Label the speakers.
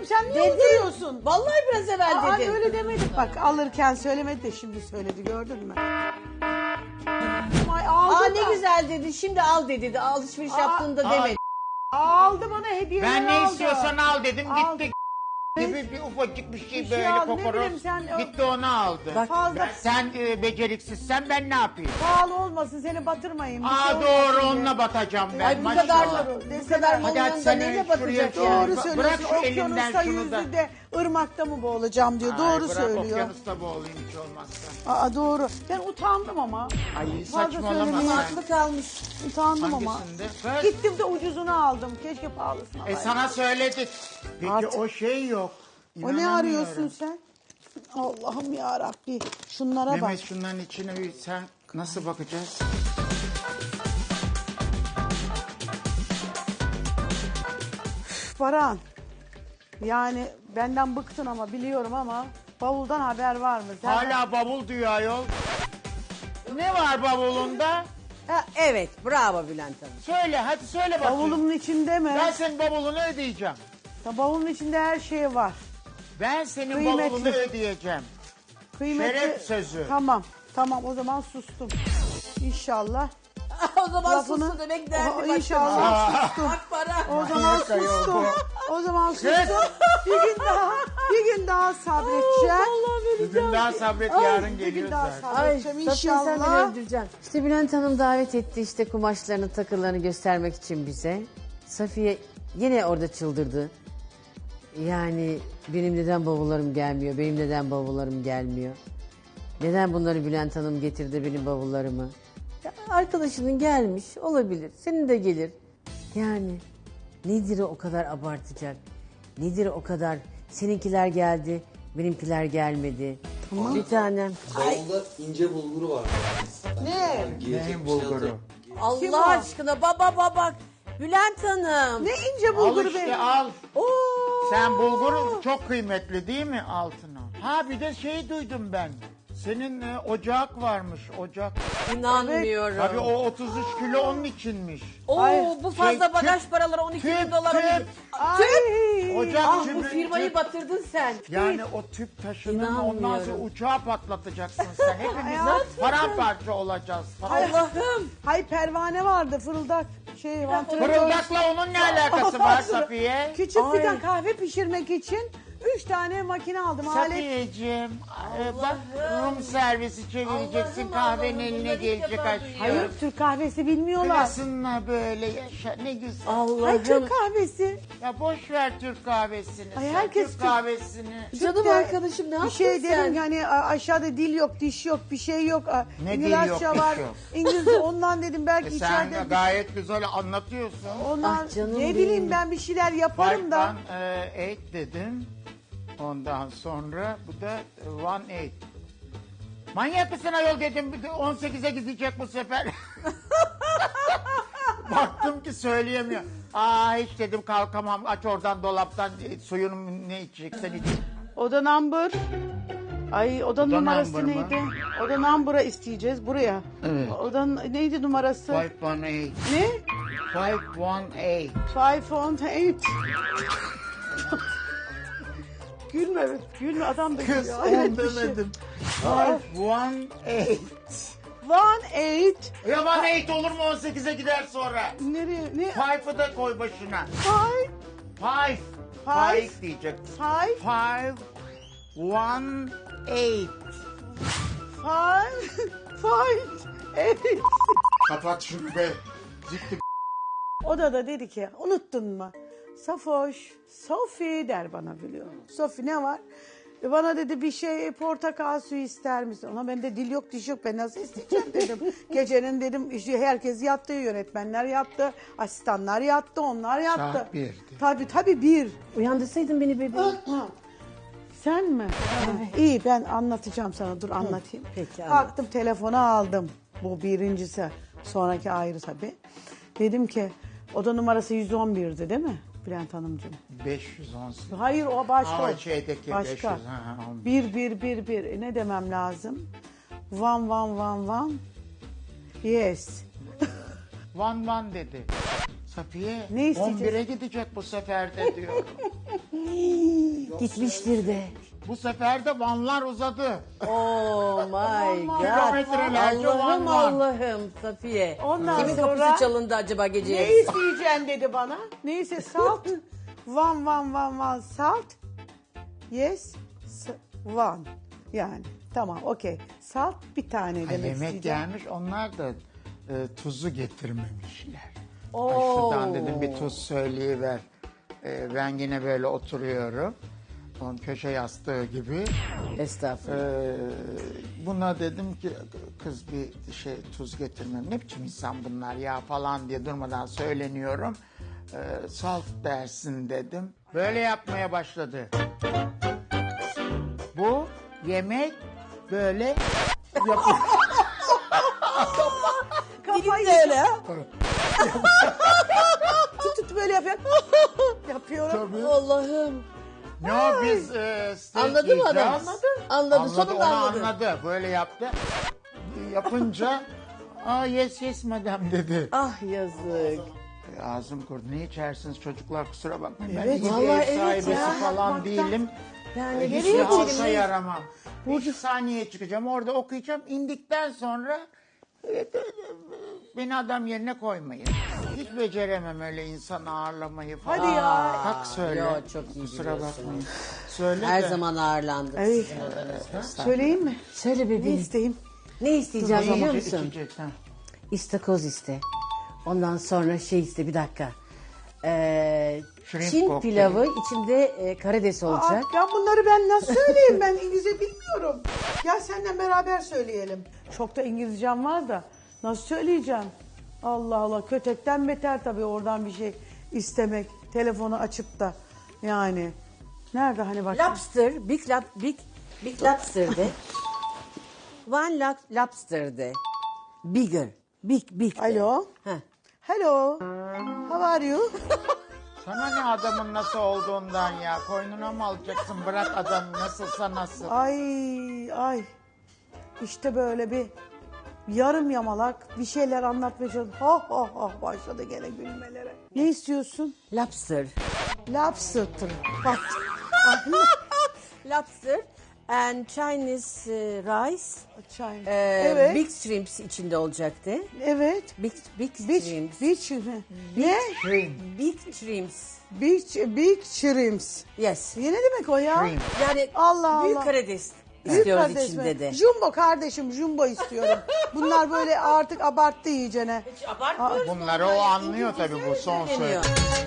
Speaker 1: sen niye uyduruyorsun?
Speaker 2: Vallahi biraz evvel
Speaker 1: Aa,
Speaker 2: dedin.
Speaker 1: öyle demedik bak, alırken söylemedi de şimdi söyledi, gördün mü? Ay, aldı
Speaker 2: Aa
Speaker 1: da.
Speaker 2: ne güzel dedi. Şimdi al dedi. Alışveriş yaptığında demedi.
Speaker 1: Aldı bana hediyeler
Speaker 3: Ben ne
Speaker 1: aldı.
Speaker 3: istiyorsan al dedim,
Speaker 1: Al.
Speaker 3: gitti. Gibi bir ufacık bir şey
Speaker 1: Bir şey
Speaker 3: böyle
Speaker 1: aldı, ne
Speaker 3: kokoroz.
Speaker 1: bileyim sen-
Speaker 3: Gitti onu aldı.
Speaker 1: Bak, fazla
Speaker 3: Sen beceriksizsen ben ne yapayım?
Speaker 1: pahalı olmasın, seni batırmayayım. Bir şey
Speaker 3: Aa
Speaker 1: olmasın
Speaker 3: doğru,
Speaker 1: diye.
Speaker 3: onunla batacağım ben.
Speaker 2: Ay bu
Speaker 3: maşallah.
Speaker 2: kadar bu kadar
Speaker 3: Hadi
Speaker 2: malın yanında
Speaker 3: sen
Speaker 2: neyle
Speaker 3: şuraya
Speaker 2: batacak
Speaker 3: şey-
Speaker 2: yani?
Speaker 1: Doğru
Speaker 3: Bırak
Speaker 1: söylüyorsun.
Speaker 3: şu elimden
Speaker 1: Okyanusta
Speaker 3: şunu da.
Speaker 1: yüzü de ırmakta mı boğulacağım diyor.
Speaker 3: Ay,
Speaker 1: Doğru
Speaker 3: bırak,
Speaker 1: söylüyor.
Speaker 3: okyanusta boğulayım hiç olmazsa.
Speaker 1: Aa doğru. Ben utandım ama.
Speaker 3: Ay
Speaker 1: Fazla
Speaker 3: saçmalama
Speaker 1: söylemeye
Speaker 3: sen.
Speaker 2: Aklı kalmış.
Speaker 1: Utandım ama.
Speaker 3: Hangisinde? Kız.
Speaker 1: Gittim de ucuzunu aldım. Keşke pahalısını alaydım.
Speaker 3: Sana söyledik. Peki
Speaker 1: Artık-
Speaker 3: o şey yok.
Speaker 1: O ne
Speaker 3: İnanamıyorum.
Speaker 1: arıyorsun sen? Allah'ım ya Rabbi. Şunlara bak.
Speaker 3: Mehmet şunların içine bir sen nasıl bakacağız?
Speaker 1: Baran. Yani benden bıktın ama biliyorum ama bavuldan haber var mı? Sen
Speaker 3: Hala bavul diyor ayol. Ne var bavulunda?
Speaker 2: Ha, evet bravo Bülent Hanım.
Speaker 3: Söyle hadi söyle bakayım.
Speaker 1: bavulumun içinde mi?
Speaker 3: Ben senin bavulunu ödeyeceğim.
Speaker 1: Bavulun içinde her şey var.
Speaker 3: Ben senin
Speaker 1: Kıymetli.
Speaker 3: bavulunu ödeyeceğim.
Speaker 1: Kıymetli.
Speaker 3: Şeref sözü.
Speaker 1: Tamam o zaman sustum. İnşallah.
Speaker 2: O zaman
Speaker 1: Lafını-
Speaker 2: sustu demek derdi
Speaker 1: O-
Speaker 2: başka.
Speaker 1: İnşallah sustum.
Speaker 2: Bak para.
Speaker 1: O zaman sustum. O zaman sustum. Bir gün daha sabredeceğim.
Speaker 3: Bugün daha sabret, yarın
Speaker 1: Bir
Speaker 3: geliyor
Speaker 1: gün daha
Speaker 3: zaten.
Speaker 2: Ay
Speaker 1: sabredeceğim
Speaker 2: Safiye sen beni
Speaker 1: inşallah.
Speaker 2: öldüreceksin. İşte Bülent Hanım davet etti işte kumaşlarını takılarını göstermek için bize. Safiye yine orada çıldırdı. Yani benim neden bavullarım gelmiyor, benim neden bavullarım gelmiyor. Neden bunları Bülent Hanım getirdi benim bavullarımı. Ya arkadaşının gelmiş olabilir, senin de gelir. Yani nedir o kadar abartacak? Nedir o kadar seninkiler geldi, benimkiler gelmedi. Tamam. Bir tanem.
Speaker 4: Bavulda ince bulguru var.
Speaker 1: Ne?
Speaker 4: Giyecek
Speaker 3: Neyin
Speaker 4: bir şey
Speaker 3: bulguru?
Speaker 4: yok.
Speaker 1: Kim o?
Speaker 2: Allah aşkına baba Bülent Hanım.
Speaker 1: Ne ince
Speaker 3: Al
Speaker 1: bulgur
Speaker 3: işte
Speaker 1: be.
Speaker 3: al.
Speaker 1: Oo.
Speaker 3: Sen bulguru çok kıymetli değil mi altına? Ha bir de şey duydum ben. Senin ocak varmış, ocak.
Speaker 2: İnanmıyorum.
Speaker 3: Tabii o 33 kilo onun içinmiş.
Speaker 2: Oo
Speaker 1: Ay,
Speaker 2: bu fazla
Speaker 3: şey,
Speaker 2: bagaj
Speaker 3: tüp,
Speaker 2: paraları 12 bin
Speaker 3: tüp,
Speaker 2: dolara.
Speaker 3: tüp.
Speaker 1: Ay.
Speaker 3: Ocak
Speaker 2: Ah
Speaker 3: tüpü-
Speaker 2: bu firmayı
Speaker 3: tüp-
Speaker 2: batırdın sen.
Speaker 3: Yani o tüp taşınır mı ondan sonra
Speaker 2: İnanmıyorum.
Speaker 3: uçağı patlatacaksın sen. Hepimiz paramparça olacağız.
Speaker 2: Allah'ım.
Speaker 1: Hay pervane vardı, fırıldak. Vantilatör.
Speaker 3: Fırıldakla onun ne alakası var Safiye?
Speaker 1: Küçük
Speaker 2: Ay.
Speaker 1: fidan kahve pişirmek için 3 tane makine aldım. Alet.
Speaker 3: Safiyeciğim bak Rum servisi çevireceksin,
Speaker 2: Allah'ım,
Speaker 3: kahvenin
Speaker 2: Allah'ım,
Speaker 3: eline
Speaker 2: bunları ilk
Speaker 3: gelecek
Speaker 2: defa
Speaker 3: aşkım.
Speaker 2: duyuyorum.
Speaker 1: Hayır, Türk kahvesi bilmiyorlar.
Speaker 3: Klasınla böyle yaşa ne güzel.
Speaker 1: Hayır,
Speaker 2: Allah'ım.
Speaker 1: Türk kahvesi.
Speaker 3: Ya boş ver Türk kahvesini.
Speaker 1: Ay,
Speaker 3: sen
Speaker 1: herkes
Speaker 3: Türk
Speaker 1: Türk-
Speaker 3: kahvesini.
Speaker 2: Canım
Speaker 1: Türk'te
Speaker 2: arkadaşım ne
Speaker 1: bir
Speaker 2: yaptın
Speaker 1: şey
Speaker 2: sen?
Speaker 1: derim hani aşağıda dil yok, diş yok, bir şey yok.
Speaker 3: Ne dil
Speaker 1: İngilizce
Speaker 3: yok, diş
Speaker 1: var.
Speaker 3: yok?
Speaker 1: İngilizce ondan dedim belki
Speaker 3: Sen
Speaker 1: içeride.
Speaker 3: gayet güzel anlatıyorsun.
Speaker 1: Ondan
Speaker 2: Ah, canım
Speaker 1: ne
Speaker 2: benim.
Speaker 1: bileyim ben bir şeyler yaparım da.
Speaker 3: 518 dedim. Ondan sonra bu da 18. Manyak mısın ayol dedim. 18'e gidecek bu sefer. Baktım ki söyleyemiyor. Aa hiç dedim kalkamam. Aç oradan dolaptan suyunu ne içeceksen iç.
Speaker 1: Oda number. Ay oda numarası
Speaker 3: number mı?
Speaker 1: neydi? Oda number'a isteyeceğiz buraya.
Speaker 3: Evet.
Speaker 1: Oda neydi numarası?
Speaker 3: 518.
Speaker 1: Ne?
Speaker 3: 518.
Speaker 1: 518. Gülme, gülme adam da
Speaker 3: Kız
Speaker 1: gülüyor.
Speaker 3: on
Speaker 1: Hayret bir şey.
Speaker 3: demedim. 518.
Speaker 1: 18.
Speaker 3: Ya 18 olur mu 18'e gider sonra?
Speaker 1: Nereye? Ne?
Speaker 3: 5'ı da koy başına.
Speaker 1: 5.
Speaker 3: 5.
Speaker 1: Five.
Speaker 3: 5 diyecek.
Speaker 1: 5.
Speaker 3: 5. 18.
Speaker 1: 5.
Speaker 3: Kapat şunu be. Zikti.
Speaker 1: Odada dedi ki unuttun mu? Safoş, Sofi der bana biliyor musun? Sofi ne var? Bana dedi bir şey portakal suyu ister misin? Ona ben de dil yok diş yok ben nasıl isteyeceğim dedim. Gecenin dedim işte herkes yattı, yönetmenler yattı, asistanlar yattı, onlar yattı.
Speaker 3: Saat 1'di.
Speaker 1: Tabii bir.
Speaker 2: Uyandırsaydın beni bebeğim.
Speaker 1: Sen mi? İyi ben anlatacağım sana dur anlatayım.
Speaker 2: Peki, anlat.
Speaker 1: Kalktım telefonu aldım. Bu birincisi. Sonraki ayrı tabii. Dedim ki oda numarası 111'di değil mi Bülent Hanımcığım?
Speaker 3: 518.
Speaker 1: Hayır o başka.
Speaker 3: Aa, şeydeki
Speaker 1: başka.
Speaker 3: 500, ha, 11.
Speaker 1: Bir. Ne demem lazım? One. Yes.
Speaker 3: Van dedi. Safiye
Speaker 1: Ne isteyeceğiz?
Speaker 3: 11'e gidecek bu sefer de diyor.
Speaker 2: Gitmiştir de.
Speaker 3: Bu sefer de vanlar uzadı.
Speaker 2: Oh my god.
Speaker 3: Kilometrelerce
Speaker 2: Allah'ım
Speaker 3: van.
Speaker 2: Allah'ım Safiye.
Speaker 1: Ondan
Speaker 2: Kimin
Speaker 1: sonra-
Speaker 2: kapısı çalındı acaba gece
Speaker 1: Ne
Speaker 2: yarısı?
Speaker 1: isteyeceksin dedi bana. Neyse salt. One salt. Yes. One. Yani tamam okey. Salt bir tane
Speaker 3: Ha,
Speaker 1: demek
Speaker 3: yemek
Speaker 1: isteyeceğim.
Speaker 3: gelmiş, onlar da tuzu getirmemişler. Ay
Speaker 2: Oo.
Speaker 3: şuradan dedim bir tuz söyleyiver. Ben yine böyle oturuyorum. Onun köşe yastığı gibi.
Speaker 2: Estağfurullah.
Speaker 3: Buna dedim ki kız bir şey tuz getirmem. Ne biçim insan bunlar ya falan diye durmadan söyleniyorum. Salt dersin dedim. Böyle yapmaya başladı. Bu yemek böyle yapıyor.
Speaker 1: Kafayı
Speaker 2: Dilin de öyle ha?
Speaker 1: tut böyle yapıyor. Yapıyorum.
Speaker 3: Tabii.
Speaker 2: Allah'ım.
Speaker 3: Ne o biz steak
Speaker 2: Anladı mı adam?
Speaker 3: yiyeceğiz.
Speaker 2: Anladı. Sonunda
Speaker 3: onu
Speaker 2: anladı.
Speaker 3: anladı. Böyle yaptı. Yapınca yes madam dedi.
Speaker 2: Ah yazık.
Speaker 3: Ağzım kurudu. Ne içersiniz çocuklar, kusura bakmayın.
Speaker 1: Evet,
Speaker 3: ben iyi
Speaker 2: vallahi
Speaker 3: bir ev
Speaker 2: evet
Speaker 3: sahibesi
Speaker 2: ya.
Speaker 3: falan
Speaker 1: Bakmaktan-
Speaker 3: değilim.
Speaker 2: Yani
Speaker 3: Hiçbir
Speaker 2: nereye
Speaker 3: halka
Speaker 2: içelim?
Speaker 3: yaramam. 2 saniye çıkacağım. Orada okuyacağım. İndikten sonra beni adam yerine koymayın. Hiç beceremem öyle insan ağırlamayı falan.
Speaker 1: Hadi ya.
Speaker 3: Kalk söyle.
Speaker 2: Yo, çok iyi
Speaker 3: Kusura
Speaker 2: biliyorsun.
Speaker 3: bakmayın. Söyle
Speaker 2: Her
Speaker 3: de.
Speaker 2: zaman ağırlandık.
Speaker 1: Evet. Söyleyeyim mi?
Speaker 2: Söyle
Speaker 1: Ne
Speaker 2: bebeğim.
Speaker 1: isteyeyim?
Speaker 2: Ne isteyeceğim
Speaker 3: İçecek,
Speaker 2: biliyor musun?
Speaker 3: içecek, ha.
Speaker 2: İstakoz iste. Ondan sonra şey iste bir dakika.
Speaker 3: Shrimp
Speaker 2: Çin
Speaker 3: kokteyl.
Speaker 2: pilavı içinde karides olacak.
Speaker 1: Ya bunları ben nasıl söyleyeyim? Ben İngilizce bilmiyorum. Gel seninle beraber söyleyelim. Çok da İngilizcem var da nasıl söyleyeceğim? Allah Allah, kötekten beter tabii oradan bir şey istemek. Telefonu açıp da yani. Nerede hani bak.
Speaker 2: Lobster, big lobster de. One lobster de. Bigger, big de.
Speaker 1: Alo.
Speaker 2: Heh.
Speaker 1: Hello. How are you?
Speaker 3: Sana ne adamın nasıl olduğundan ya. Koynuna mı alacaksın? Bırak adamı nasılsa nasıl.
Speaker 1: Ay. İşte böyle bir yarım yamalak bir şeyler anlatmaya çalışıyor. Ha başladı gene gülmelere. Ne istiyorsun?
Speaker 2: Lobster.
Speaker 1: Lobster. Bak.
Speaker 2: Lobster and Chinese rice.
Speaker 1: Çay.
Speaker 2: Evet. Big shrimps içinde olacaktı.
Speaker 1: Evet.
Speaker 2: Big
Speaker 1: Beach,
Speaker 2: shrimps.
Speaker 1: beach mi? Ne?
Speaker 2: Big shrimps.
Speaker 1: Big shrimps.
Speaker 2: Yes.
Speaker 1: Ne demek o ya?
Speaker 3: Shrimp.
Speaker 2: Yani
Speaker 1: Allah
Speaker 2: büyük
Speaker 1: Allah.
Speaker 2: karides
Speaker 1: Büyük
Speaker 2: istiyoruz
Speaker 1: kardeş mi?
Speaker 2: içinde de.
Speaker 1: Jumbo kardeşim, jumbo istiyorum. Bunlar böyle artık abarttı iyicene.
Speaker 2: Abartmıyoruz.
Speaker 3: Bunları o anlıyor tabii, bu son söyledi.
Speaker 2: Söyleniyor.